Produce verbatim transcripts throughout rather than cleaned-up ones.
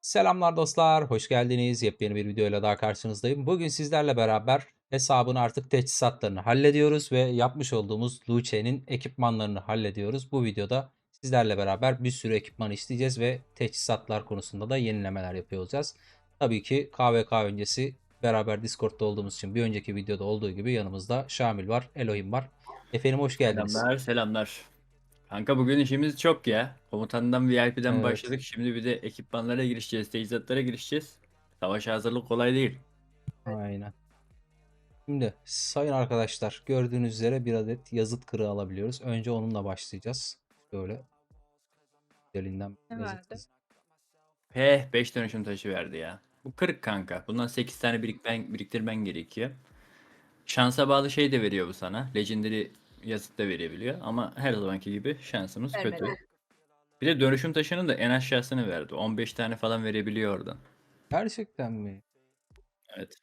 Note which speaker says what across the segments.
Speaker 1: Selamlar dostlar, hoş geldiniz. Yepyeni bir videoyla daha karşınızdayım. Bugün sizlerle beraber hesabın artık teçhizatlarını hallediyoruz ve yapmış olduğumuz Luce'nin ekipmanlarını hallediyoruz. Bu videoda sizlerle beraber bir sürü ekipman isteyeceğiz ve teçhizatlar konusunda da yenilemeler yapıyor olacağız. Tabii ki K V K öncesi beraber Discord'da olduğumuz için bir önceki videoda olduğu gibi yanımızda Şamil var, Elohim var. Efendim hoş geldiniz.
Speaker 2: Selamlar, selamlar. Kanka bugün işimiz çok ya. Komutandan V I P'den
Speaker 1: Evet,
Speaker 2: başladık. Şimdi bir de ekipmanlara girişeceğiz, teçhizatlara girişeceğiz. Savaşa hazırlık kolay değil.
Speaker 1: aynen. Şimdi sayın arkadaşlar gördüğünüz üzere bir adet yazıt kırığı alabiliyoruz. Önce onunla başlayacağız. Şöyle elinden
Speaker 3: Ne
Speaker 1: yazıt
Speaker 3: verdi?
Speaker 1: kız.
Speaker 2: He, beş dönüşüm taşı verdi ya. Bu kırık kanka. Bundan sekiz tane birikmen, biriktirmen gerekiyor. Şansa bağlı şey de veriyor bu sana. Legendary yazıt da verebiliyor. Ama her zamanki gibi şansımız kötü.
Speaker 3: Vermedi.
Speaker 2: Bir de dönüşüm taşının da en aşağısını verdi. on beş tane falan verebiliyor oradan.
Speaker 1: Gerçekten mi?
Speaker 2: Evet.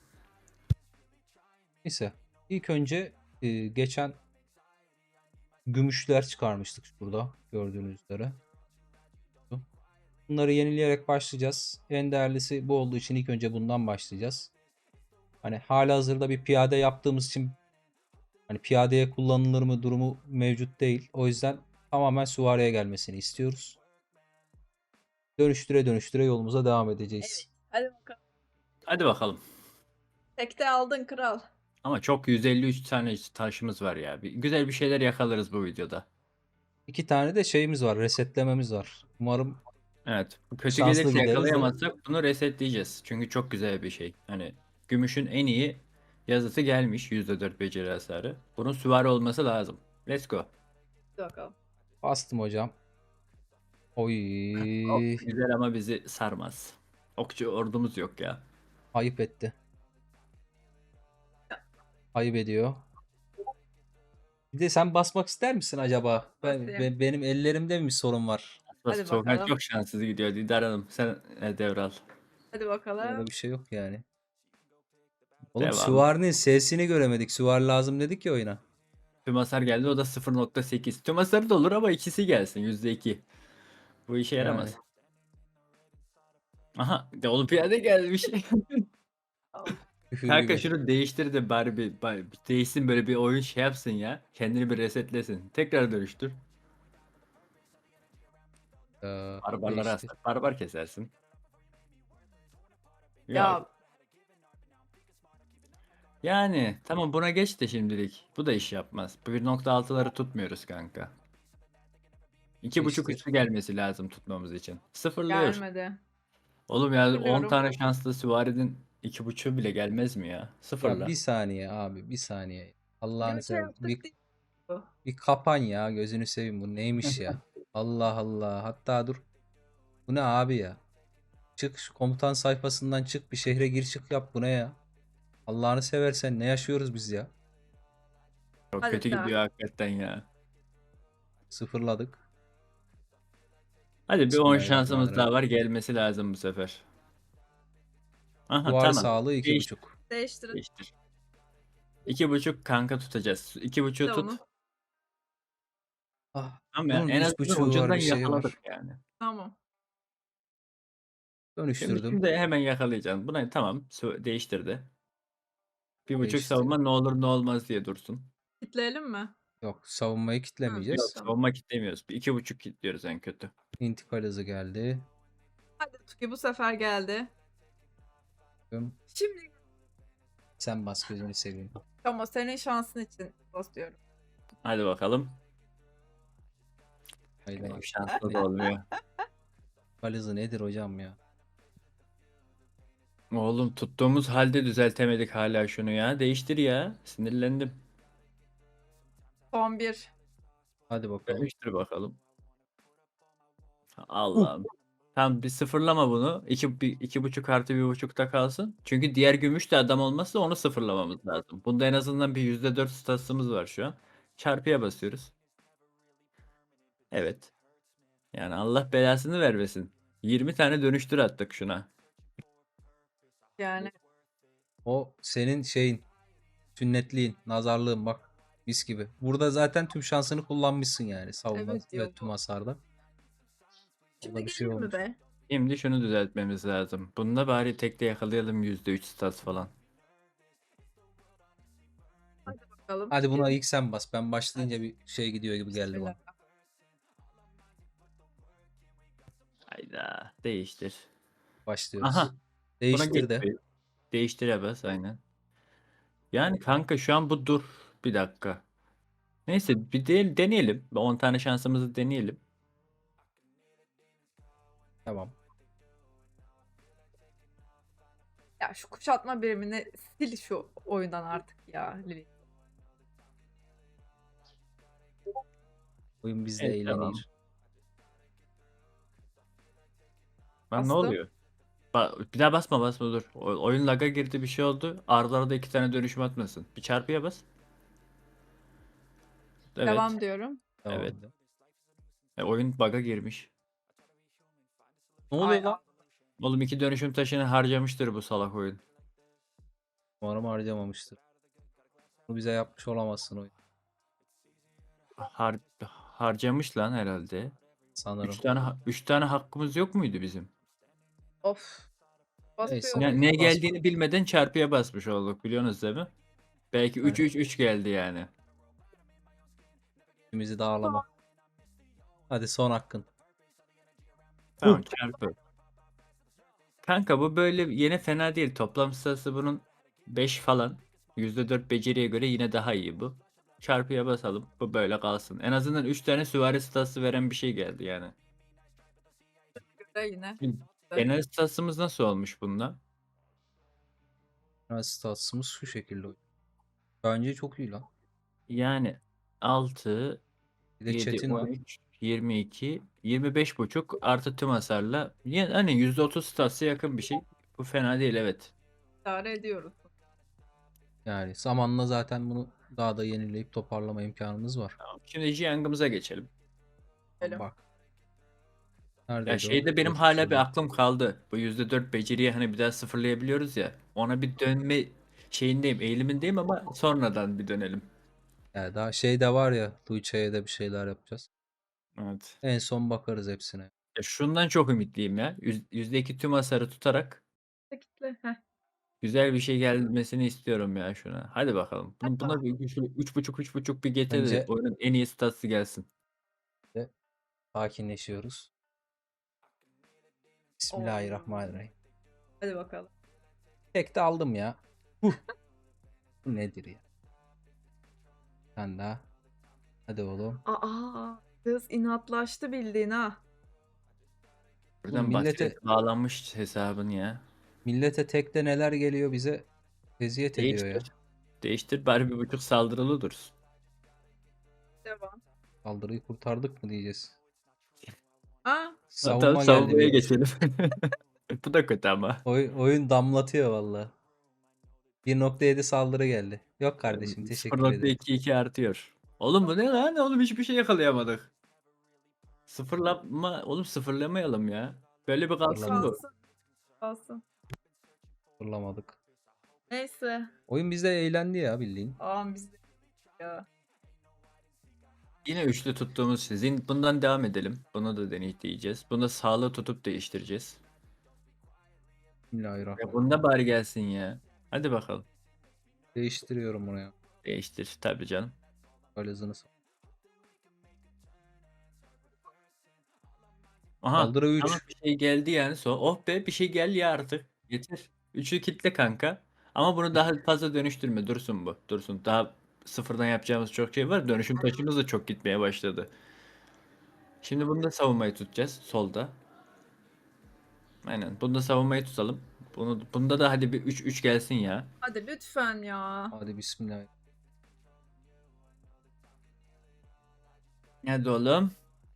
Speaker 1: Neyse. İlk önce e, geçen gümüşler çıkarmıştık burada gördüğünüz üzere. Bunları yenileyerek başlayacağız. En değerlisi bu olduğu için ilk önce bundan başlayacağız. Hani halihazırda bir piyade yaptığımız için hani piyadeye kullanılır mı durumu mevcut değil. O yüzden tamamen süvariye gelmesini istiyoruz. Dönüştüre dönüştüre yolumuza devam edeceğiz.
Speaker 3: Evet. Hadi bakalım.
Speaker 2: Hadi bakalım.
Speaker 3: Tekte aldın kral.
Speaker 2: Ama çok yüz elli üç tane taşımız var ya. Bir, güzel bir şeyler yakalarız bu videoda.
Speaker 1: İki tane de şeyimiz var, resetlememiz var. Umarım
Speaker 2: Evet. Bu kötü
Speaker 1: şanslı
Speaker 2: gelirse
Speaker 1: gideriz de.
Speaker 2: yakalayamazsak bunu resetleyeceğiz. Çünkü çok güzel bir şey. Hani gümüşün en iyi yazısı gelmiş. yüzde dört beceri hasarı. Bunun süvari olması lazım. Let's go.
Speaker 3: Hadi bakalım.
Speaker 1: Bastım hocam.
Speaker 2: Ok
Speaker 1: Oy,
Speaker 2: güzel ama bizi sarmaz. Okçu ordumuz yok ya.
Speaker 1: ayıp etti. Ayıp ediyor. Bir de sen basmak ister misin acaba? Ben,
Speaker 3: Basayım.
Speaker 1: be- benim ellerimde mi sorun var?
Speaker 2: Aslında
Speaker 3: Hadi
Speaker 2: Soğukhan
Speaker 3: bakalım.
Speaker 2: çok şanssız gidiyor. Didar Hanım sen e, devral.
Speaker 3: Hadi bakalım.
Speaker 1: Öyle bir şey yok yani. Oğlum
Speaker 2: Devam.
Speaker 1: süvarinin sesini göremedik. Süvari lazım dedik ya oyuna.
Speaker 2: Tüm hasar geldi o da sıfır nokta sekiz. Tüm hasarı da olur ama ikisi gelsin yüzde iki. Bu işe
Speaker 1: Yani.
Speaker 2: yaramaz. Aha de olimpiyada gelmiş.
Speaker 3: Al.
Speaker 1: Küfür
Speaker 2: Kanka
Speaker 1: gibi.
Speaker 2: şunu değiştir de bari bir, bari bir değişsin böyle bir oyun şey yapsın ya. Kendini bir resetlesin. Tekrar dönüştür.
Speaker 1: Ee,
Speaker 2: Barbarlara
Speaker 1: değişti.
Speaker 2: hasar. Barbar kesersin. Yok.
Speaker 3: Ya
Speaker 2: Yani tamam buna geç de şimdilik. Bu da iş yapmaz. bir nokta altıları tutmuyoruz kanka. iki buçuk
Speaker 1: Değiştir.
Speaker 2: üstü gelmesi lazım tutmamız için. Sıfırlıyor.
Speaker 3: gelmedi.
Speaker 2: Oğlum ya on
Speaker 3: Biliyorum.
Speaker 2: tane şanslı süvarinin iki buçuğu bile gelmez mi ya?
Speaker 1: Ya bir
Speaker 2: Sıfırla.
Speaker 1: saniye abi, bir saniye. Allah'ını
Speaker 3: Yine şey
Speaker 1: seversen. Bir,
Speaker 3: yaptık değil bu.
Speaker 1: bir kapan ya, gözünü seveyim, bu neymiş ya? Allah Allah. Hatta dur. Bu ne abi ya? Çık şu komutan sayfasından, çık bir şehre gir çık yap, bu ne ya? Allah'ını seversen ne yaşıyoruz biz ya?
Speaker 2: Çok
Speaker 3: Hadi
Speaker 2: kötü
Speaker 3: daha.
Speaker 2: gidiyor hakikaten ya.
Speaker 1: Sıfırladık.
Speaker 2: Hadi bir on şansımız daha
Speaker 1: Bismillahirrahmanirrahim.
Speaker 2: var gelmesi lazım bu sefer. Aha
Speaker 1: Duvar
Speaker 2: tamam.
Speaker 1: sağlığı iki
Speaker 2: Değiştir.
Speaker 1: buçuk.
Speaker 3: Değiştirin.
Speaker 2: Değiştir. İki buçuk kanka tutacağız. İki buçuğu
Speaker 3: De
Speaker 2: tut.
Speaker 3: onu.
Speaker 1: Ah,
Speaker 2: Tamam ya
Speaker 1: bunun
Speaker 2: en
Speaker 1: üç
Speaker 2: azından
Speaker 1: buçuğu var,
Speaker 2: ucundan
Speaker 1: bir şey
Speaker 2: yakaladık
Speaker 1: var.
Speaker 2: yani.
Speaker 3: Tamam.
Speaker 2: Şimdi,
Speaker 1: Dönüştürdüm.
Speaker 2: şimdi hemen yakalayacaksın. Buna tamam su- değiştirdi. Bir buçuk
Speaker 1: Değişti.
Speaker 2: savunma ne olur ne olmaz diye dursun.
Speaker 3: Kitleyelim mi?
Speaker 1: Yok, savunmayı
Speaker 3: Hı,
Speaker 2: Yok
Speaker 1: kitlemeyeceğiz.
Speaker 3: tamam.
Speaker 2: savunma kitlemiyoruz. Bir iki buçuk kilitliyoruz en kötü.
Speaker 1: İntikal hızı geldi.
Speaker 3: Hadi Tuki bu sefer geldi. Şimdi
Speaker 1: Sen bas, gözünü seveyim.
Speaker 3: ama senin şansın için basıyorum.
Speaker 2: Hadi bakalım.
Speaker 1: Hayda.
Speaker 2: Benim şanslı da olmuyor.
Speaker 1: İntikal hızı nedir hocam ya?
Speaker 2: Oğlum tuttuğumuz halde düzeltemedik hala şunu ya. Değiştir ya. Sinirlendim.
Speaker 3: Son bir.
Speaker 1: Hadi bakalım.
Speaker 2: Değiştir bakalım.
Speaker 1: Uh.
Speaker 2: Allah'ım. Tamam bir sıfırlama bunu. İki, bir, iki buçuk artı bir buçukta kalsın. Çünkü diğer gümüş de adam olmazsa onu sıfırlamamız lazım. Bunda en azından bir yüzde dört statsımız var şu an. Çarpıya basıyoruz. Evet. Yani Allah belasını vermesin. yirmi tane dönüştür attık şuna.
Speaker 3: Yani
Speaker 1: O senin şeyin, sünnetliğin, nazarlığın bak. Mis gibi. Burada zaten tüm şansını kullanmışsın yani savunma
Speaker 3: evet
Speaker 1: ve
Speaker 3: diyor
Speaker 1: tüm
Speaker 3: bu.
Speaker 1: hasarda.
Speaker 3: Şimdi
Speaker 1: Orada bir şey
Speaker 3: gelir mi
Speaker 1: olmuş.
Speaker 3: be?
Speaker 2: Şimdi şunu düzeltmemiz lazım. Bunda bari tekte yakalayalım yüzde üç stats falan.
Speaker 3: Bakalım.
Speaker 1: Hadi buna
Speaker 3: Gelin.
Speaker 1: ilk sen bas. Ben başlayınca bir şey gidiyor gibi geldi bana.
Speaker 3: Bismillah.
Speaker 2: Hayda. Değiştir.
Speaker 1: Başlıyoruz.
Speaker 2: Aha. Buna
Speaker 1: Değiştir de.
Speaker 2: geçti. Değiştire bas aynen. Yani kanka şu an bu dur. Bir dakika. Neyse bir de, deneyelim. on tane şansımızı deneyelim.
Speaker 1: Tamam.
Speaker 3: Ya şu kuşatma birimini sil şu oyundan artık ya Lili.
Speaker 1: Oyun bizde
Speaker 2: Evet, tamam.
Speaker 1: eğlenir.
Speaker 2: Lan ne
Speaker 3: Bastım.
Speaker 2: oluyor? Ba- bir daha basma basma dur. O- oyun lag'a girdi bir şey oldu. Arda arada iki tane dönüşüm atmasın. Bir çarpıya bas. Evet.
Speaker 3: Devam diyorum.
Speaker 1: Tamam.
Speaker 2: Evet. E, oyun bug'a girmiş.
Speaker 1: Ne oluyor
Speaker 3: Ay,
Speaker 1: lan?
Speaker 2: Oğlum iki dönüşüm taşını harcamıştır bu salak oyun.
Speaker 1: Umarım harcamamıştır. Bunu bize yapmış olamazsın oyun.
Speaker 2: Har harcamış lan herhalde.
Speaker 1: Sanırım.
Speaker 2: Üç tane ha- üç tane hakkımız yok muydu bizim?
Speaker 3: Of.
Speaker 1: Neyse.
Speaker 3: Basıyorum.
Speaker 2: Ne, ne
Speaker 1: Basma.
Speaker 2: geldiğini bilmeden çarpıya basmış olduk biliyorsunuz değil mi? Belki üç
Speaker 1: Evet.
Speaker 2: üç üç geldi yani.
Speaker 1: İkimizi dağlama. Hadi son hakkın.
Speaker 2: Tamam çarpı. Kanka bu böyle yine fena değil. Toplam sayısı bunun beş falan. yüzde dört beceriye göre yine daha iyi bu. Çarpıya basalım. Bu böyle kalsın. En azından üç tane süvari statsı veren bir şey geldi yani.
Speaker 3: Göre yine.
Speaker 2: Genel statsımız nasıl olmuş bunda?
Speaker 1: Yani statsımız şu şekilde oyun. Bence çok iyi lan.
Speaker 2: Yani altı,
Speaker 1: Bir de
Speaker 2: yedi,
Speaker 1: chat'in var.
Speaker 2: on üç, yirmi iki, yirmi beş buçuk artı tüm hasarla. Yani hani yüzde otuz statsa yakın bir şey. Bu fena değil evet.
Speaker 3: İdare ediyoruz.
Speaker 1: Yani zamanla zaten bunu daha da yenileyip toparlama imkanımız var.
Speaker 2: Tamam. Şimdi Jiang'ımıza geçelim.
Speaker 3: Gidelim.
Speaker 1: Bak.
Speaker 2: Ya
Speaker 1: Neredeydi o?
Speaker 2: şeyde benim
Speaker 1: Dur,
Speaker 2: hala bir
Speaker 1: şurada.
Speaker 2: aklım kaldı. Bu yüzde dört beceriyi hani bir daha sıfırlayabiliyoruz ya. Ona bir dönme şeyindeyim, eğilimindeyim ama sonradan bir dönelim.
Speaker 1: Yani daha şey de var ya. Tuğçe'ye de bir şeyler yapacağız.
Speaker 2: Evet.
Speaker 1: En son bakarız hepsine.
Speaker 2: Ya şundan çok ümitliyim ya. Yüz- yüzde iki tüm hasarı tutarak
Speaker 3: Kitle. Heh.
Speaker 2: güzel bir şey gelmesini istiyorum ya şuna. Hadi bakalım. Bunu, buna
Speaker 3: Tamam.
Speaker 2: bir üç buçuk üç buçuk bir getir de
Speaker 1: Bence
Speaker 2: oyunun en iyi statsı gelsin.
Speaker 1: de sakinleşiyoruz.
Speaker 3: Oo.
Speaker 1: Bismillahirrahmanirrahim.
Speaker 3: Hadi bakalım.
Speaker 1: Tek de aldım ya. Huh. Bu nedir ya? Sen daha. Hadi oğlum.
Speaker 3: Aa, kız inatlaştı bildiğin ha.
Speaker 2: Buradan
Speaker 1: millete
Speaker 2: millete... bağlanmış hesabın ya.
Speaker 1: millete tekte neler geliyor bize eziyet ediyor ya.
Speaker 2: Değiştir. Değiştir bari bir buçuk saldırılı dursun.
Speaker 3: Devam.
Speaker 1: Saldırıyı kurtardık mı diyeceğiz.
Speaker 3: Aa,
Speaker 2: Tamam
Speaker 1: Savunma geldi
Speaker 2: savunmaya
Speaker 1: bir.
Speaker 2: geçelim. Bu da kötü ama.
Speaker 1: Oy- oyun damlatıyor valla. bir nokta yedi saldırı geldi. Yok kardeşim teşekkür ederim.
Speaker 2: sıfır nokta iki iki artıyor. Oğlum bu ne lan? Oğlum hiçbir şey yakalayamadık. Sıfırlama, oğlum sıfırlamayalım ya. Böyle bir kalsın bu.
Speaker 3: kalsın. Kalsın.
Speaker 1: Fırlamadık.
Speaker 3: Neyse.
Speaker 1: Oyun bizde eğlendi ya bildiğin.
Speaker 3: Aa bizde ya.
Speaker 2: Yine üçlü tuttuğumuz sizin. Bundan devam edelim. Bunu da deneyeceğiz. Bunu sağlığı tutup değiştireceğiz. Ya
Speaker 1: Bismillahirrahmanirrahim.
Speaker 2: bunda bari gelsin ya. Hadi bakalım.
Speaker 1: Değiştiriyorum bunu ya.
Speaker 2: Değiştir tabii canım.
Speaker 1: Böyle hızını sal-
Speaker 2: Aha.
Speaker 1: Saldırı üç.
Speaker 2: Tamam bir şey geldi yani. So oh be bir şey gel ya artık. Yeter. Üçü kitle kanka. Ama bunu daha fazla dönüştürme. Dursun bu. Dursun. Daha sıfırdan yapacağımız çok şey var. Dönüşüm taşımız da çok gitmeye başladı. Şimdi bunda savunmayı tutacağız. Solda. Aynen. Bunda savunmayı tutalım. Bunu, bunda da hadi bir üç üç gelsin ya.
Speaker 3: Hadi lütfen ya.
Speaker 1: Hadi bismillah.
Speaker 2: Hadi oğlum.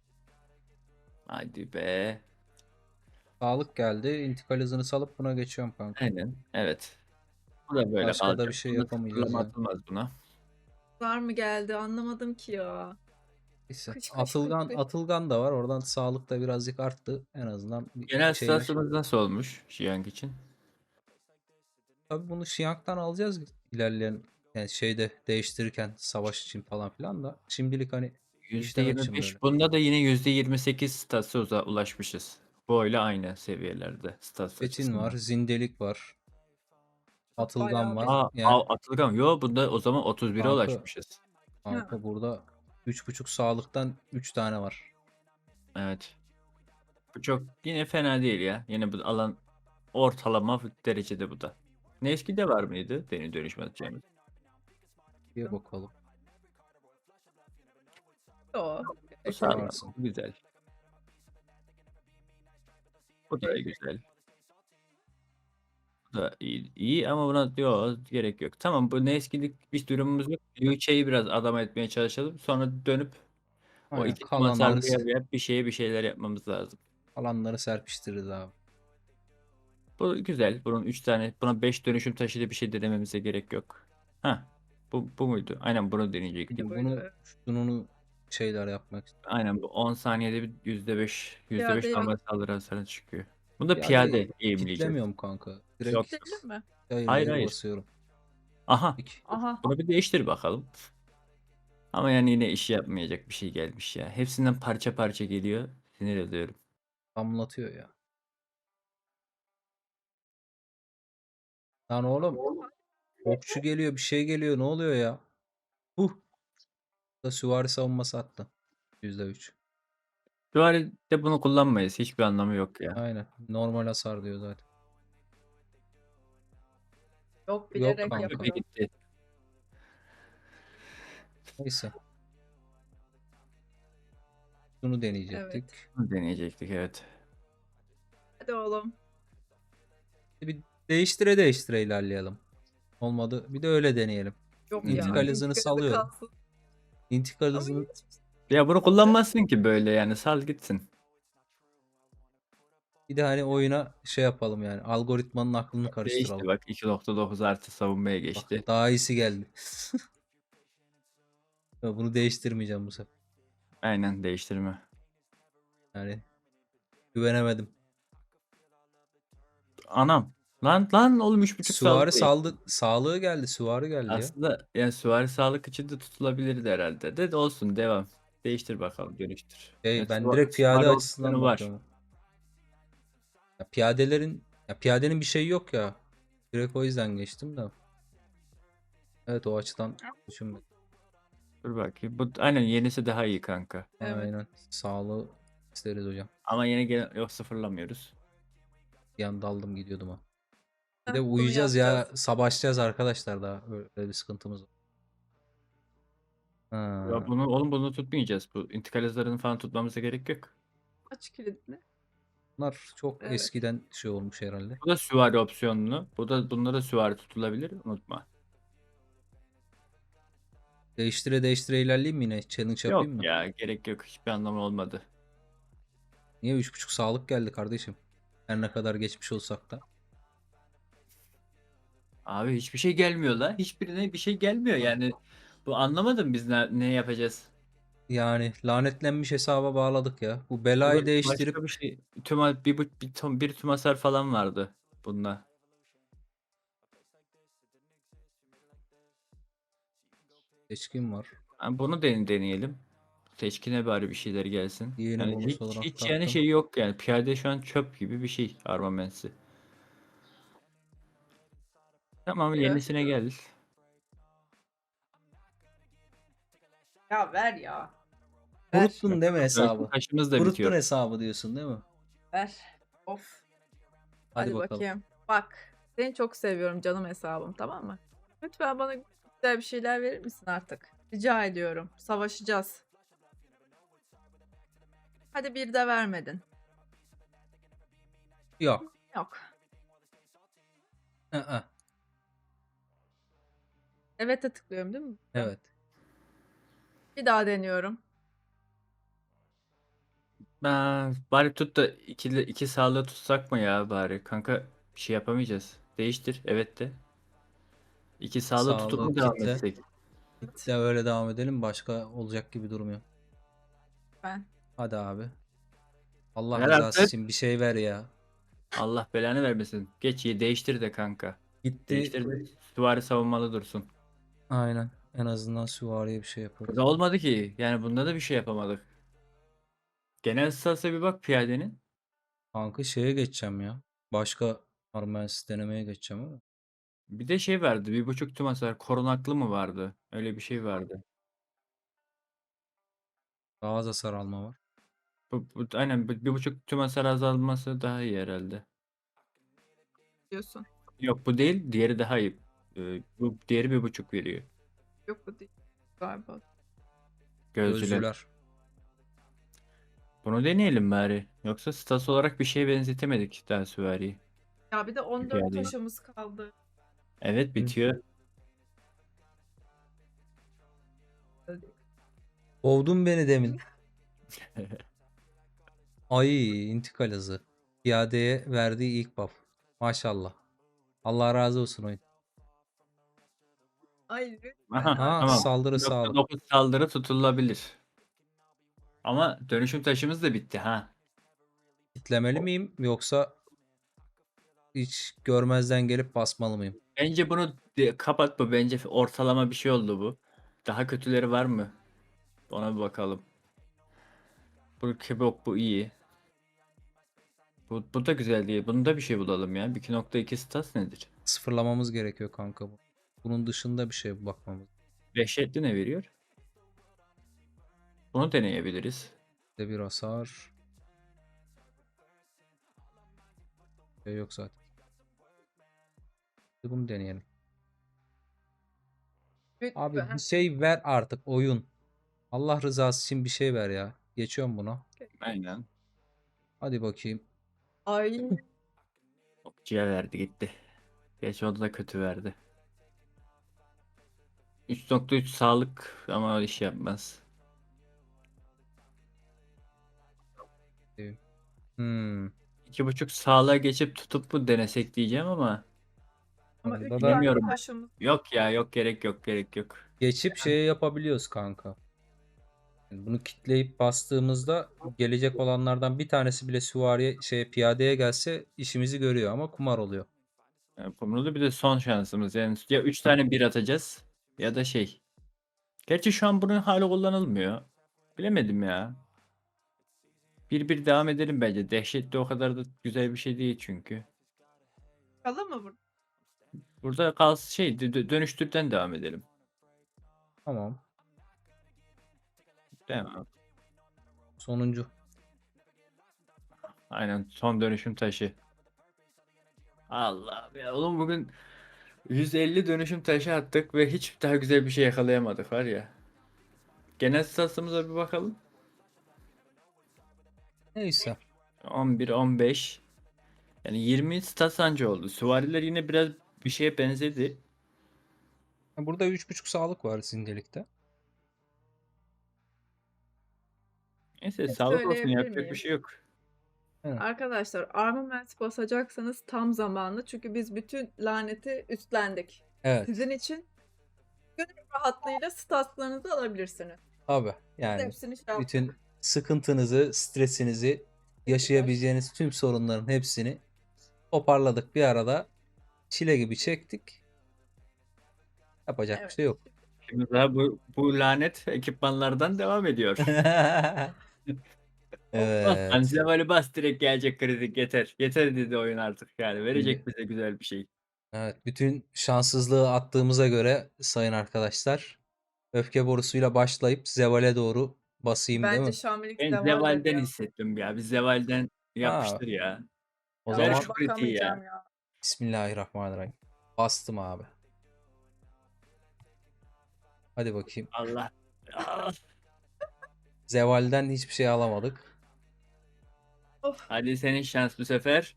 Speaker 2: Hadi be.
Speaker 1: Sağlık geldi. İntikal hızını salıp buna geçiyorum kanka.
Speaker 2: Aynen. Evet. Bu da böyle
Speaker 1: Başka da
Speaker 2: kalacak.
Speaker 1: bir şey
Speaker 2: Bunda
Speaker 1: yapamayacağız
Speaker 2: sıfırlama
Speaker 1: ya.
Speaker 2: atılmaz buna.
Speaker 3: Var mı geldi anlamadım ki ya.
Speaker 1: Neyse.
Speaker 3: Kış kış kış
Speaker 1: Atılgan,
Speaker 3: kış.
Speaker 1: Atılgan da var. Oradan sağlık da birazcık arttı. En azından bir
Speaker 2: Genel
Speaker 1: şeyler.
Speaker 2: stasyonumuz nasıl olmuş Jiang için?
Speaker 1: Tabii bunu Şiyank'tan alacağız ilerleyen yani şeyde değiştirirken savaş için falan filan da şimdilik hani işlemek için böyle.
Speaker 2: yüzde yirmi beş. Bunda da yine yüzde yirmi sekiz statsa uza- ulaşmışız. boyla aynı seviyelerde stats
Speaker 1: Fetin
Speaker 2: açısından.
Speaker 1: var. Zindelik var. Atılgan
Speaker 3: Bayağı
Speaker 1: var.
Speaker 3: bir.
Speaker 2: Aa,
Speaker 1: Yani
Speaker 2: a- Atılgan. Yo, bunda o zaman otuz bire
Speaker 1: kanka,
Speaker 2: ulaşmışız.
Speaker 3: Ha.
Speaker 1: kanka burada üç buçuk sağlıktan üç tane var.
Speaker 2: Evet. Bu çok yine fena değil ya. Yine bu alan ortalama derecede bu da. Nevski'de var mıydı? Deni dönüşme atacağımız.
Speaker 1: Bir bakalım.
Speaker 3: O.
Speaker 2: Bu sağlam.
Speaker 1: Varsın.
Speaker 2: Bu güzel. Bu da
Speaker 3: Okey.
Speaker 2: güzel. Bu da iyi, iyi ama buna diyor gerek yok. Tamam, bu Nevski'lik bir durumumuz yok. Yuiche'yi biraz adam etmeye çalışalım. Sonra dönüp o
Speaker 1: Aynen.
Speaker 2: iki tumasal
Speaker 1: Kalanları,
Speaker 2: bir bir şeye bir şeyler yapmamız lazım.
Speaker 1: kalanları serpiştiririz abi.
Speaker 2: Bu güzel. Bunun üç tane, buna beş dönüşüm taşıyla bir şey denememize gerek yok. Ha, bu bu muydu? Aynen bunu deneyecektik.
Speaker 1: Şimdi
Speaker 3: Buydu,
Speaker 1: bunu
Speaker 3: evet.
Speaker 1: şununu şeyler yapmak istiyorum.
Speaker 2: Aynen bu on saniyede bir yüzde beş yüzde beş
Speaker 3: Piyadeyi
Speaker 2: normal saldırı hasarı çıkıyor. Bunda piyade
Speaker 1: Piyadeyi
Speaker 2: eğimleyeceğiz.
Speaker 1: kitlemiyorum kanka. Direkt
Speaker 2: Yok.
Speaker 3: Bekleyelim mi?
Speaker 1: yayır
Speaker 2: Hayır,
Speaker 1: yayır
Speaker 2: hayır.
Speaker 1: basıyorum.
Speaker 2: Aha.
Speaker 1: İki.
Speaker 3: Aha.
Speaker 2: Bunu bir değiştir bakalım. Ama yani yine işi yapmayacak bir şey gelmiş ya. Hepsinden parça parça geliyor. Sinir ediyorum.
Speaker 1: Damlatıyor ya. Lan oğlum. Okçu geliyor, bir şey geliyor. Ne oluyor ya? Huh. Da süvari savunması attı. yüzde üç.
Speaker 2: Süvaride bunu kullanmayız. Hiçbir anlamı yok ya.
Speaker 1: Aynen. Normal hasar diyor zaten.
Speaker 3: Yok,
Speaker 1: Yok
Speaker 3: bilerek
Speaker 1: kanka.
Speaker 2: Köpe
Speaker 3: yapıyor.
Speaker 2: gitti.
Speaker 1: Neyse. Bunu deneyecektik.
Speaker 3: Evet.
Speaker 2: Bunu deneyecektik, evet.
Speaker 3: Hadi oğlum.
Speaker 1: Bir değiştire değiştire ilerleyelim. Olmadı. Bir de öyle deneyelim.
Speaker 3: Yok
Speaker 2: Hmm.
Speaker 3: ya.
Speaker 1: İntikal hızını
Speaker 3: intikal hızı
Speaker 1: salıyorum.
Speaker 3: kalsın.
Speaker 1: İntikal
Speaker 3: Ama
Speaker 1: hızını
Speaker 3: hiç-
Speaker 2: Ya bunu kullanmazsın ki böyle yani. Sal gitsin.
Speaker 1: bir de hani oyuna şey yapalım yani. Algoritmanın aklını
Speaker 2: Değişti
Speaker 1: karıştıralım.
Speaker 2: bak, iki nokta dokuz artı savunmaya
Speaker 1: Bak
Speaker 2: geçti.
Speaker 1: daha iyisi geldi. Ya bunu değiştirmeyeceğim bu sefer.
Speaker 2: Aynen, değiştirme.
Speaker 1: Yani güvenemedim.
Speaker 2: Anam. Lan lan oğlum, üç buçuk
Speaker 1: Süvari
Speaker 2: sağlık değil.
Speaker 1: saldı, sağlığı geldi. Süvari geldi ya.
Speaker 2: Aslında yani süvari sağlık için de tutulabilirdi herhalde. De, de olsun, devam. Değiştir bakalım, dönüştür.
Speaker 1: Şey,
Speaker 2: Yani
Speaker 1: ben
Speaker 2: süva-
Speaker 1: direkt piyade
Speaker 2: süvari
Speaker 1: açısından
Speaker 2: opsiyonu var.
Speaker 1: bakıyorum. Ya piyadelerin ya piyadenin bir şeyi yok ya. Direkt o yüzden geçtim de. Evet, o açıdan düşünmedim.
Speaker 2: Dur bakayım. Bu aynen yenisi daha iyi kanka.
Speaker 3: Evet.
Speaker 1: Aynen. Sağlığı isteriz hocam.
Speaker 2: Ama yeni gelen yok, sıfırlamıyoruz.
Speaker 1: Bir anda aldım gidiyordum ha. Bir
Speaker 3: Heh,
Speaker 1: de
Speaker 3: bunu
Speaker 1: uyuyacağız ya.
Speaker 3: yapacağız.
Speaker 1: Savaşacağız arkadaşlar daha. Öyle bir sıkıntımız var.
Speaker 2: Ya
Speaker 1: Ha.
Speaker 2: bunu oğlum, bunu tutmayacağız. Bu intikal hızlarını falan tutmamıza gerek yok.
Speaker 3: Aç kilidini.
Speaker 1: Bunlar çok
Speaker 3: Evet.
Speaker 1: eskiden şey olmuş herhalde.
Speaker 2: Bu da süvari opsiyonlu. Bu da bunda da süvari tutulabilir. Unutma.
Speaker 1: Değiştire değiştire ilerleyeyim mi yine? Challenge
Speaker 2: Yok
Speaker 1: yapayım mı?
Speaker 2: ya, gerek yok. Hiçbir anlamı olmadı.
Speaker 1: Niye üç buçuk sağlık geldi kardeşim? Her ne kadar geçmiş olsak da.
Speaker 2: Abi hiçbir şey gelmiyor la. Hiçbirine bir şey gelmiyor yani. Bu anlamadım, biz ne, ne yapacağız?
Speaker 1: Yani lanetlenmiş hesaba bağladık ya. Bu
Speaker 2: Bu
Speaker 1: belayı
Speaker 2: da
Speaker 1: değiştirip
Speaker 2: başka bir şey. Tüm bir, bir, bir, tüm, bir tüm hasar falan vardı bunda.
Speaker 1: seçkin var.
Speaker 2: Yani bunu den deneyelim. Seçkine bari bir şeyler gelsin.
Speaker 1: Yeni
Speaker 2: Yani
Speaker 1: bonus
Speaker 2: hiç
Speaker 1: olarak
Speaker 2: hiç yani
Speaker 1: taktım.
Speaker 2: şey yok yani. Piyade şu an çöp gibi bir şey armamensi. Tamam,
Speaker 3: Evet.
Speaker 2: yenisine gel.
Speaker 3: Ya ver ya. Ver.
Speaker 1: Kuruttun değil mi hesabı?
Speaker 2: Taşımız da
Speaker 1: Kuruttun
Speaker 2: bitiyor.
Speaker 1: hesabı diyorsun değil mi?
Speaker 3: Ver. Of.
Speaker 1: Hadi,
Speaker 3: Hadi
Speaker 1: bakalım.
Speaker 3: bakayım. Bak. Seni çok seviyorum canım hesabım, tamam mı? Lütfen bana güzel bir şeyler verir misin artık? Rica ediyorum. Savaşacağız. Hadi bir de vermedin.
Speaker 1: Yok.
Speaker 3: Yok.
Speaker 1: Aa,
Speaker 3: Evet'e tıklıyorum değil mi?
Speaker 1: evet.
Speaker 3: Bir daha deniyorum.
Speaker 2: Ben, bari tut da iki, iki sağlığı tutsak mı ya bari? Kanka bir şey yapamayacağız. Değiştir. Evet de. İki sağlığı tutup
Speaker 1: Sağlığı
Speaker 2: mu devam
Speaker 1: kitle.
Speaker 2: etsek?
Speaker 1: Kitle öyle devam edelim. Başka olacak gibi durmuyor.
Speaker 3: Ben.
Speaker 1: Hadi abi. Allah
Speaker 2: Ver
Speaker 1: rızası
Speaker 2: artık.
Speaker 1: için bir şey ver ya.
Speaker 2: Allah belanı vermesin. Geç iyi, değiştir de kanka.
Speaker 1: Gitti.
Speaker 2: Değiştir de süvari savunmalı dursun.
Speaker 1: Aynen. En azından süvariye bir şey yaparız.
Speaker 2: Burada olmadı ki. Yani bunda da bir şey yapamadık. Genel statsa bir bak piyadenin.
Speaker 1: Kanka şeye geçeceğim ya. Başka Armensis denemeye geçeceğim ama.
Speaker 2: Bir de şey vardı. Bir buçuk tüm hasar. Korunaklı mı vardı? Öyle bir şey vardı.
Speaker 1: Daha az hasar alma var.
Speaker 2: Bu, bu, aynen bir, bir buçuk tüm hasar azalması daha iyi herhalde.
Speaker 3: Diyorsun.
Speaker 2: Yok bu değil. Diğeri daha iyi. Ee, bu diğeri bir buçuk veriyor.
Speaker 3: Yok bu değil galiba.
Speaker 2: Gözcüler.
Speaker 1: Gözcüler.
Speaker 2: Bunu deneyelim bari. Yoksa stas olarak bir şeye benzetemedik daha süvariyi.
Speaker 3: Ya bir de on dört
Speaker 2: Piyadeyi.
Speaker 3: taşımız kaldı.
Speaker 2: Evet bitiyor.
Speaker 1: Kovdun beni demin. Ay intikal hızı. Piyadeye verdiği ilk buff. Maşallah. Allah razı olsun oyun.
Speaker 3: Ay lütfen
Speaker 2: Aha
Speaker 1: Ha
Speaker 2: tamam.
Speaker 3: artık.
Speaker 1: saldırı
Speaker 2: Nokta
Speaker 1: sağlık.
Speaker 2: dokuz saldırı tutulabilir. Ama dönüşüm taşımız da bitti ha.
Speaker 1: Kitlemeli miyim yoksa hiç görmezden gelip basmalı mıyım?
Speaker 2: Bence bunu de- kapatma. Bence ortalama bir şey oldu bu. Daha kötüleri var mı? Ona bir bakalım. Bu kebap bu iyi. Bu, bu da güzel değil. Bunda bir şey bulalım ya. iki nokta iki stats nedir?
Speaker 1: Sıfırlamamız gerekiyor kanka bu. Bunun dışında bir şey bakmamız.
Speaker 2: Dehşetli ne veriyor? Bunu deneyebiliriz.
Speaker 1: Bir de bir hasar. Şey yok zaten. Bir Bunu deneyelim. Abi bir
Speaker 3: Lütfen.
Speaker 1: şey ver artık oyun. Allah rızası için bir şey ver ya. Geçiyorum buna.
Speaker 2: Aynen.
Speaker 1: Hadi bakayım.
Speaker 3: Ay
Speaker 2: Okçuya verdi gitti. Geç o da kötü verdi. üç nokta üç sağlık ama o iş yapmaz.
Speaker 1: Hmm.
Speaker 2: iki buçuk sağlığa geçip tutup bu denesek diyeceğim ama
Speaker 3: ama
Speaker 1: Onda
Speaker 3: üç
Speaker 1: da
Speaker 3: tane
Speaker 2: bilmiyorum.
Speaker 3: taşımız.
Speaker 2: Yok ya yok gerek yok gerek yok.
Speaker 1: Geçip şey yapabiliyoruz kanka. Yani bunu kitleyip bastığımızda gelecek olanlardan bir tanesi bile süvariye şey piyadeye gelse işimizi görüyor ama kumar oluyor.
Speaker 2: Yani Kumru'da bir de son şansımız. Yani ya üç tane bir atacağız ya da şey. Gerçi şu an bunun hali kullanılmıyor. Bilemedim ya. Bir bir devam edelim bence. Dehşetli o kadar da güzel bir şey değil çünkü.
Speaker 3: Kalır mı burada?
Speaker 2: Burada kalsın şey dö- dö- dönüştürden devam edelim.
Speaker 1: Tamam.
Speaker 2: Devam.
Speaker 1: Sonuncu.
Speaker 2: Aynen son dönüşüm taşı. Allah ya oğlum bugün yüz elli dönüşüm taşı attık ve hiç daha güzel bir şey yakalayamadık var ya. Genel statımıza bir bakalım.
Speaker 1: Neyse.
Speaker 2: on bir on beş. Yani yirmi stat anca oldu. Süvariler yine biraz bir şeye benzedi.
Speaker 1: Burada üç buçuk sağlık var simgelikte.
Speaker 2: Neyse
Speaker 3: Ne
Speaker 2: sağlık olsun
Speaker 3: söyleyebilir
Speaker 2: yapacak bir
Speaker 3: miyim?
Speaker 2: şey yok.
Speaker 1: Evet.
Speaker 3: Arkadaşlar armament basacaksanız tam zamanlı. Çünkü biz bütün laneti üstlendik.
Speaker 1: Evet.
Speaker 3: Sizin için gönül rahatlığıyla statslarınızı alabilirsiniz.
Speaker 1: Abi
Speaker 3: Biz
Speaker 1: yani
Speaker 3: hepsini şey yaptık.
Speaker 1: bütün sıkıntınızı, stresinizi, yaşayabileceğiniz tüm sorunların hepsini toparladık bir arada. Çile gibi çektik. Yapacak bir
Speaker 3: Evet.
Speaker 1: şey yok.
Speaker 2: Şimdi daha bu, bu lanet ekipmanlardan devam ediyor. Bas lan
Speaker 1: Evet.
Speaker 2: Zevali bas direkt gelecek kritik yeter. Yeter dedi oyun artık yani.
Speaker 1: Şimdi-
Speaker 2: Verecek bize güzel bir şey.
Speaker 1: Evet, bütün şanssızlığı attığımıza göre sayın arkadaşlar, öfke borusuyla başlayıp Zeval'e doğru basayım değil
Speaker 3: Bence
Speaker 1: mi?
Speaker 3: Şamilik
Speaker 2: Ben
Speaker 3: Zeval'dir
Speaker 2: Zeval'den
Speaker 3: ya.
Speaker 2: hissettim ya. Biz Zeval'den
Speaker 1: Ha,
Speaker 2: yapıştır ya.
Speaker 1: o
Speaker 3: Ya
Speaker 2: Ver
Speaker 1: zaman
Speaker 2: şu kritiği ya.
Speaker 3: bakamayacağım ya.
Speaker 1: Bismillahirrahmanirrahim. Bastım abi. Hadi bakayım.
Speaker 2: Allah. Ah.
Speaker 1: Zeval'den hiçbir şey alamadık.
Speaker 3: Of.
Speaker 2: Hadi senin şans bu sefer.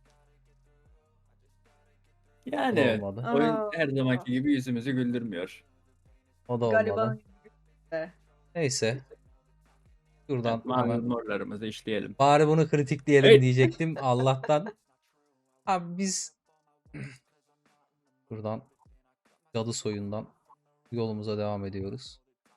Speaker 1: O da
Speaker 2: Yani
Speaker 1: olmadı.
Speaker 2: oyun
Speaker 3: Aa,
Speaker 2: her zamanki gibi yüzümüzü güldürmüyor.
Speaker 1: O da
Speaker 3: gariban
Speaker 1: olmadı.
Speaker 3: gibi.
Speaker 1: Neyse. Şuradan
Speaker 2: Evet, mavi
Speaker 1: hemen
Speaker 2: morlarımızı işleyelim.
Speaker 1: bari bunu kritikleyelim
Speaker 2: Hey!
Speaker 1: diyecektim. Allah'tan. Abi biz buradan cadı soyundan yolumuza devam ediyoruz.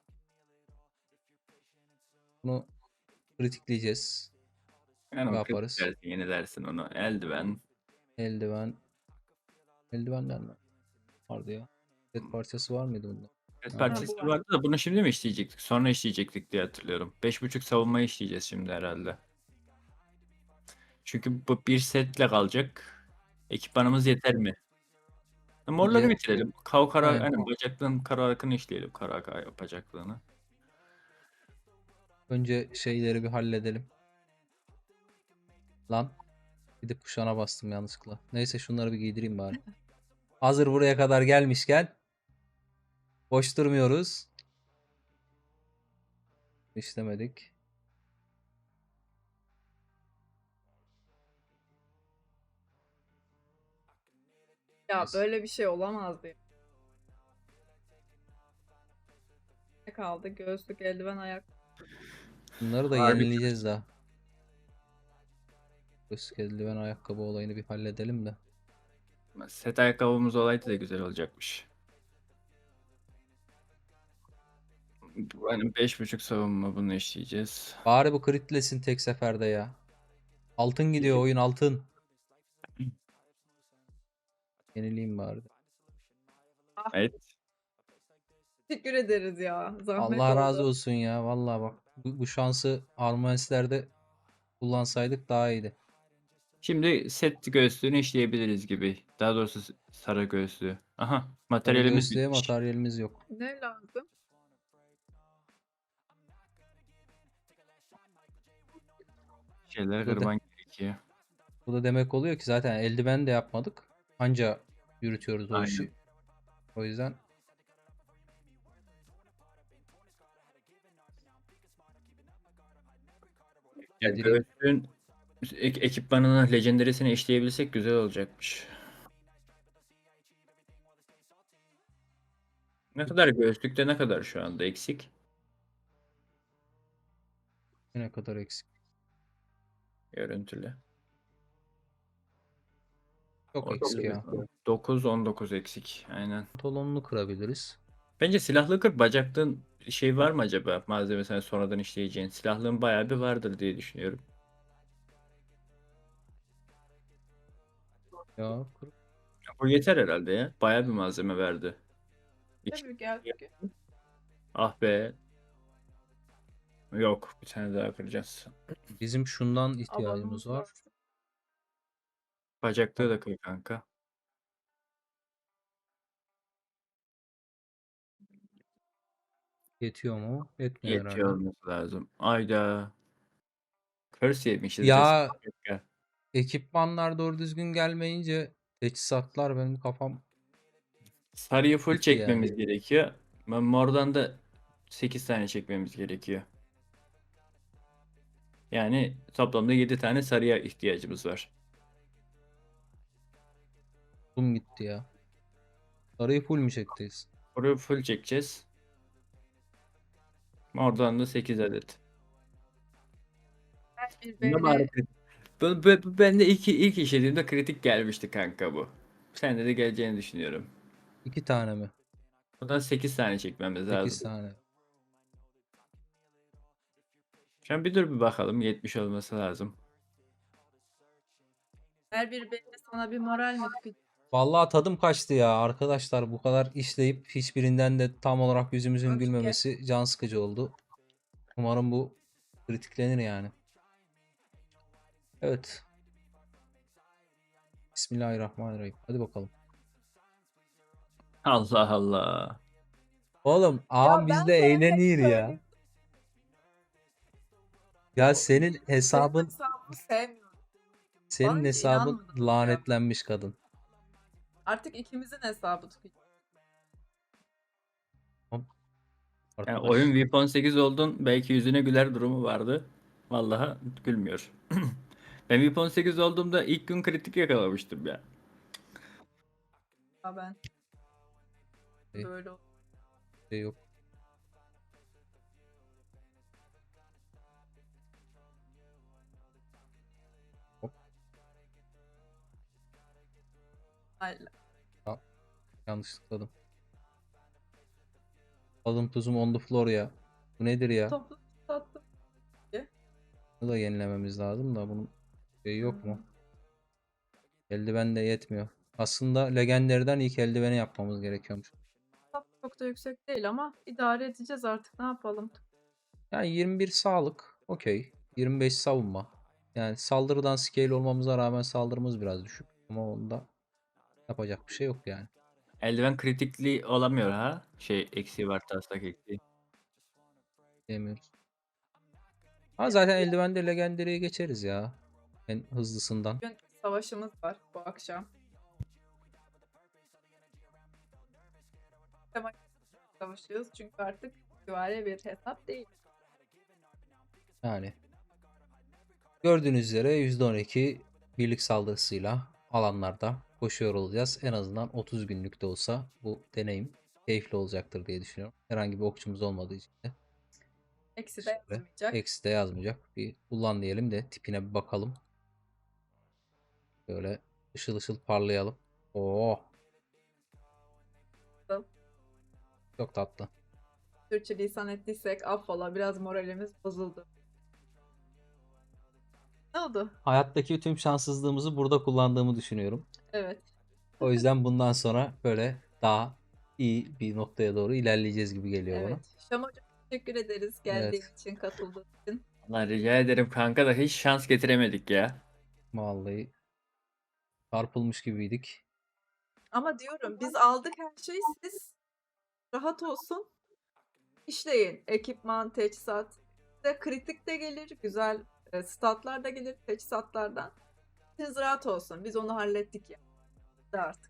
Speaker 1: Bunu kritikleyeceğiz.
Speaker 2: Yani
Speaker 1: Ne
Speaker 2: o
Speaker 1: yaparız?
Speaker 2: kritik dersin, yenilersin onu. Eldiven.
Speaker 1: Eldiven. Eldivenler mi? Vardı ya. Set parçası var mıydı bunda?
Speaker 2: Evet,
Speaker 1: Ha,
Speaker 2: parçası
Speaker 3: bu var.
Speaker 2: vardı da bunu şimdi mi işleyecektik? Sonra işleyecektik diye hatırlıyorum. Beş buçuk savunmayı işleyeceğiz şimdi herhalde. Çünkü bu bir setle kalacak. Ekipmanımız yeter mi? Morları
Speaker 1: Bence
Speaker 2: bitirelim. Kav kara,
Speaker 1: aynen.
Speaker 2: hani bacaklığın kara arkını işleyelim. Kara kara bacaklığını.
Speaker 1: Önce şeyleri bir halledelim. Lan gidip kuşağına bastım yanlışlıkla. Neyse şunları bir giydireyim bari. Hazır buraya kadar gelmişken boş durmuyoruz. İşlemedik.
Speaker 3: Ya
Speaker 1: Neyse.
Speaker 3: böyle bir şey olamazdı. ya. Ne kaldı? Göğüslük, eldiven, ayak.
Speaker 1: Bunları da
Speaker 2: Harbi.
Speaker 1: yenileyeceğiz daha. Göğüslük, eldiven, ayakkabı olayını bir halledelim de.
Speaker 2: Set ayakkabımız olaydı da güzel olacakmış. Hani beş buçuk savunma bunu işleyeceğiz.
Speaker 1: Bari bu critlesin tek seferde ya. Altın gidiyor oyun altın. Yenileyim bari.
Speaker 2: Evet.
Speaker 3: Teşekkür ederiz ya. Zahmet
Speaker 1: Allah razı
Speaker 3: oldu.
Speaker 1: olsun ya. Vallahi bak bu, bu şansı Armanistlerde kullansaydık daha iyiydi.
Speaker 2: Şimdi set göğüslüğünü işleyebiliriz gibi. Daha doğrusu s- sarı göğüslüğü. Aha,
Speaker 1: Sarı
Speaker 2: materyalimiz
Speaker 1: göğüslüğe
Speaker 2: bitmiş.
Speaker 1: materyalimiz yok.
Speaker 3: Ne lazım?
Speaker 2: Şeyleri
Speaker 1: Bu da, de-
Speaker 2: kırman gerekiyor.
Speaker 1: bu da demek oluyor ki zaten eldiven de yapmadık. Anca yürütüyoruz o
Speaker 2: Aynen.
Speaker 1: işi. O yüzden
Speaker 2: Yani
Speaker 1: yedireyim.
Speaker 2: göğüslüğün ek- ekipmanını, legendary'sini işleyebilsek güzel olacakmış. Ne kadar göğüslükte ne kadar şu anda eksik?
Speaker 1: Ne kadar eksik.
Speaker 2: Görüntülü.
Speaker 1: Çok eksik ya.
Speaker 2: dokuz on dokuz eksik. Aynen.
Speaker 1: Pantolonunu kırabiliriz.
Speaker 2: Bence silahlı kır bacaklığın şey var mı acaba? Malzemesine sonradan işleyeceğin. Silahlığın bayağı bir vardır diye düşünüyorum.
Speaker 1: Ya kır.
Speaker 2: Bu yeter herhalde ya. Bayağı bir malzeme verdi. İki-
Speaker 3: Tabii gel.
Speaker 2: Ah be. Yok. Bir tane daha kıracağız.
Speaker 1: Bizim şundan
Speaker 3: Alanımız
Speaker 1: ihtiyacımız var.
Speaker 3: var.
Speaker 2: Bacaklığı da kır kanka.
Speaker 1: Yetiyor mu? Yetmiyor
Speaker 2: Yetiyor
Speaker 1: herhalde.
Speaker 2: olması lazım. Ayda. Curse yemişiz resmen.
Speaker 1: Ya ekipmanlar doğru düzgün gelmeyince teçhizatlar benim kafam
Speaker 2: Sarıyı full
Speaker 1: gitti yani.
Speaker 2: çekmemiz gerekiyor. Ben mordan da sekiz tane çekmemiz gerekiyor. Yani toplamda yedi tane sarıya ihtiyacımız var.
Speaker 1: Bum gitti ya. Sarıyı full mü çekeceğiz?
Speaker 2: Orayı full çekeceğiz. Mordan da sekiz adet.
Speaker 3: Bir
Speaker 2: Bunda
Speaker 3: böyle
Speaker 2: bari kritik. Bu, bu, bu bende ilk, ilk işlediğimde kritik gelmişti kanka bu. Sende de geleceğini düşünüyorum.
Speaker 1: İki tane mi?
Speaker 2: Buradan sekiz tane çekmemiz
Speaker 1: Sekiz
Speaker 2: lazım.
Speaker 1: tane.
Speaker 2: Şu an bir dur bir bakalım. yetmiş olması lazım.
Speaker 3: her bir belli sana bir moral mi tıkacak?
Speaker 1: Vallahi tadım kaçtı ya arkadaşlar. Bu kadar işleyip hiçbirinden de tam olarak yüzümüzün
Speaker 3: Öfke.
Speaker 1: gülmemesi can sıkıcı oldu. Umarım bu kritiklenir yani. Evet. Bismillahirrahmanirrahim. Hadi bakalım.
Speaker 2: Allah Allah.
Speaker 1: Oğlum ağam bizde eğlenir ya. Ya senin
Speaker 3: Senin
Speaker 1: hesabın
Speaker 3: hesabını sevmiyorum.
Speaker 1: senin
Speaker 3: Bana hiç
Speaker 1: hesabın
Speaker 3: inanmadınız ya.
Speaker 1: lanetlenmiş kadın.
Speaker 3: Artık ikimizin hesabı tıkacak.
Speaker 2: Yani
Speaker 1: Arkadaş.
Speaker 2: oyun V I P on sekiz oldun. Belki yüzüne güler durumu vardı. Vallahi gülmüyor. Ben V I P on sekiz olduğumda ilk gün kritik yakalamıştım ya.
Speaker 3: Ya ben
Speaker 1: Şey,
Speaker 3: böyle oldu.
Speaker 1: şey yok. Hop,
Speaker 3: Hayır.
Speaker 1: yanlış tıkladım. Tadım tuzum on the floor ya. Bu nedir ya?
Speaker 3: Toplu tattım.
Speaker 1: Bunu da yenilememiz lazım da bunun şeyi yok mu? Eldiven de yetmiyor. Aslında legenderden ilk eldiveni yapmamız gerekiyormuş.
Speaker 3: Tat çok da yüksek değil ama idare edeceğiz artık. Ne yapalım?
Speaker 1: Yani yirmi bir sağlık. Okey. yirmi beş savunma. Yani saldırıdan scale olmamıza rağmen saldırımız biraz düşük. Ama onda yapacak bir şey yok yani.
Speaker 2: Eldiven kritikli olamıyor ha. Şey eksiği var, taslak eksiği.
Speaker 1: Diyemiyoruz. Ha zaten eldivende legendary'e geçeriz ya. En hızlısından.
Speaker 3: Bugün savaşımız var bu akşam. Tema savaşıyoruz çünkü artık süvari bir hesap değil.
Speaker 1: Yani gördüğünüz üzere yüzde on iki birlik saldırısıyla alanlarda koşuyor olacağız. En azından otuz günlük de olsa bu deneyim keyifli olacaktır diye düşünüyorum. Herhangi bir okçumuz olmadığı için de
Speaker 3: Eksi de
Speaker 1: şöyle
Speaker 3: yazmayacak.
Speaker 1: eksi de yazmayacak. Bir kullan diyelim de tipine bir bakalım. Böyle ışıl ışıl parlayalım. Oo, çok tatlı.
Speaker 3: Türkçe lisan ettiysek affola, biraz moralimiz bozuldu. Ne oldu?
Speaker 1: Hayattaki tüm şanssızlığımızı burada kullandığımı düşünüyorum.
Speaker 3: Evet.
Speaker 1: O yüzden bundan sonra böyle daha iyi bir noktaya doğru ilerleyeceğiz gibi geliyor bana.
Speaker 3: Evet. Şam hocam teşekkür ederiz geldiğin
Speaker 1: Evet.
Speaker 3: için, katıldığın için.
Speaker 2: Allah rica ederim kanka da hiç şans getiremedik ya.
Speaker 1: Vallahi çarpılmış gibiydik.
Speaker 3: Ama diyorum biz aldık her şeyi, siz rahat olsun. İşleyin. Ekipman, teçhizat. Size kritik de gelir, güzel e, statlar da gelir teçhizatlardan. Siz rahat olsun. Biz onu hallettik ya. De artık.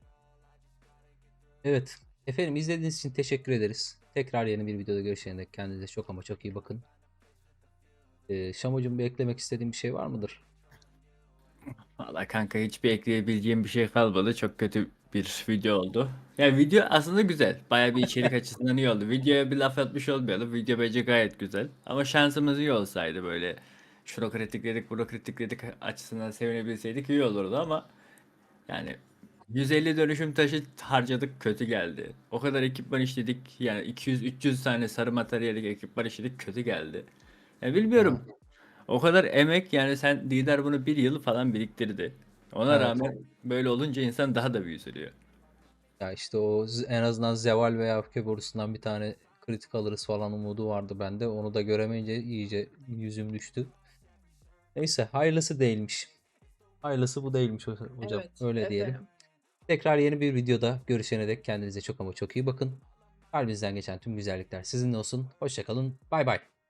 Speaker 1: Evet. Efendim izlediğiniz için teşekkür ederiz. Tekrar yeni bir videoda görüşene dek kendinize çok ama çok iyi bakın. Ee, Şamocuğum bir eklemek istediğin bir şey var mıdır?
Speaker 2: Valla kanka hiçbir ekleyebileceğim bir şey kalmadı. Çok kötü bir video oldu. Yani video aslında güzel. Baya bir içerik açısından iyi oldu. Videoya bir laf atmış olmayalım. Video bence gayet güzel. Ama şansımız iyi olsaydı böyle şunu kritikledik, bunu kritikledik açısından sevinebilseydik iyi olurdu ama yani yüz elli dönüşüm taşı harcadık, kötü geldi. O kadar ekipman işledik, yani iki yüz üç yüz tane sarı materyalik ekipman işledik, kötü geldi. Ya bilmiyorum.
Speaker 1: Ha,
Speaker 2: O kadar emek, yani sen lider bunu bir yıl falan biriktirdi. Ona
Speaker 1: evet.
Speaker 2: rağmen böyle olunca insan daha da bir üzülüyor.
Speaker 1: Ya işte o z- en azından Zeval veya Öfke borusundan bir tane kritik alırız falan umudu vardı bende. Onu da göremeyince iyice yüzüm düştü. Neyse hayırlısı değilmiş. Hayırlısı bu değilmiş ho- hocam.
Speaker 3: Evet
Speaker 1: Öyle diyelim.
Speaker 3: efendim.
Speaker 1: Tekrar yeni bir videoda görüşene dek kendinize çok ama çok iyi bakın. Kalbinizden geçen tüm güzellikler sizinle olsun. Hoşça kalın. Bay bay.